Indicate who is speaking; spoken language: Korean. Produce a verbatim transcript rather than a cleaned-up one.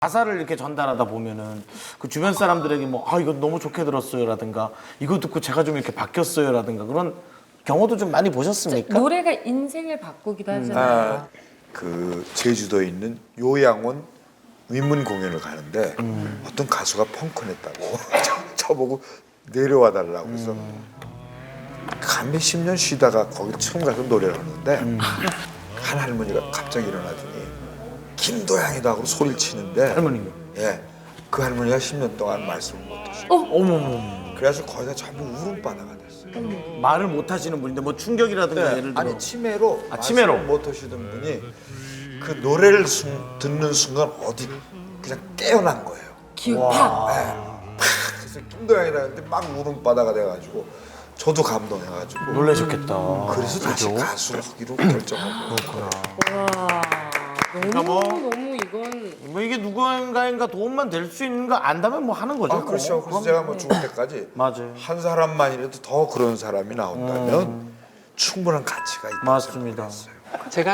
Speaker 1: 가사를 이렇게 전달하다 보면은 그 주변 사람들에게 뭐 아 이거 너무 좋게 들었어요라든가 이거 듣고 제가 좀 이렇게 바뀌었어요라든가 그런 경우도 좀 많이 보셨습니까?
Speaker 2: 노래가 인생을 바꾸기도 하잖아요.
Speaker 3: 아, 그 제주도에 있는 요양원 위문 공연을 가는데
Speaker 1: 음.
Speaker 3: 어떤 가수가 펑크 냈다고 저보고 내려와 달라고 해서 한 몇십 년 쉬다가 거기 처음 가서 노래를 하는데
Speaker 1: 음.
Speaker 3: 한 할머니가 갑자기 일어나더니 김도양이다 하고 소리를 치는데
Speaker 1: 할머니가.
Speaker 3: 예, 그 할머니가 십 년 동안 말씀을 못 하셨어요.
Speaker 1: 어머머.
Speaker 3: 그래서 거기가 전부 울음바다가 됐어요.
Speaker 1: 말을 못 하시는 분인데 뭐 충격이라든가
Speaker 3: 네,
Speaker 1: 예를 들어
Speaker 3: 아니 치매로
Speaker 1: 아, 치매로.
Speaker 3: 말씀을 못 하시던 분이 그 노래를 순, 듣는 순간 어디 그냥 깨어난 거예요.
Speaker 2: 기억 팍.
Speaker 3: 그래서 김도영이라 했는데 막 울음바다가 돼가지고 저도 감동해가지고
Speaker 1: 놀라셨겠다.
Speaker 3: 그래서 다시
Speaker 1: 그죠?
Speaker 3: 가수를 하기로 결정하고
Speaker 2: 와, 너무
Speaker 1: 뭐-
Speaker 2: 너무 이건
Speaker 1: 뭐 이게 누군가인가 도움만 될 수 있는 거 안다면 뭐 하는 거죠.
Speaker 3: 아 그렇죠.
Speaker 1: 뭐.
Speaker 3: 그래서 제가 뭐 죽을 때까지
Speaker 1: 맞아요.
Speaker 3: 한 사람만이라도 더 그런 사람이 나온다면 충분한 가치가 있다.
Speaker 1: 맞습니다.
Speaker 4: 제가